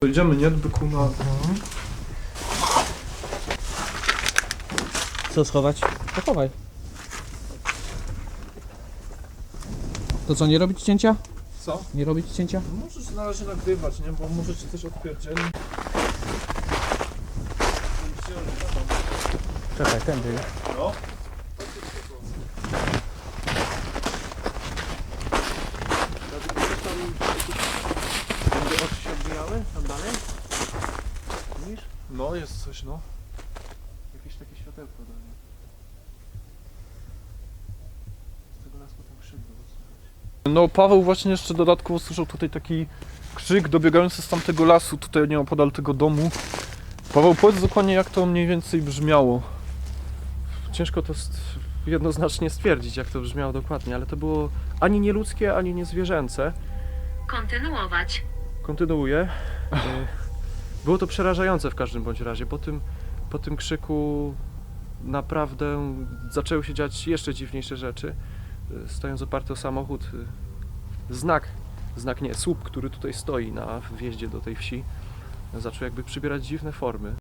Idziemy, nie? Byku na... Co schować? Pochowaj. To co, nie robić cięcia? Co? Nie robić cięcia? Możesz na razie nagrywać, nie? Bo może ci coś odpierdzieli. Czekaj, tędy. No. Będzie oczy się odbijały? Tam dalej? Widzisz? No, jest coś, no. Jakieś takie światełko dalej. Z tego lasku tam krzyk było słychać. No, Paweł właśnie jeszcze dodatkowo słyszał tutaj taki krzyk dobiegający z tamtego lasu, tutaj nieopodal tego domu. Paweł, powiedz dokładnie, jak to mniej więcej brzmiało. Ciężko to jednoznacznie stwierdzić, jak to brzmiało dokładnie, ale to było ani nie ludzkie, ani nie zwierzęce. Kontynuować. Kontynuuję. Było to przerażające w każdym bądź razie. Po tym krzyku naprawdę zaczęły się dziać jeszcze dziwniejsze rzeczy. Stojąc oparty o samochód, słup, który tutaj stoi na wjeździe do tej wsi, zaczął jakby przybierać dziwne formy.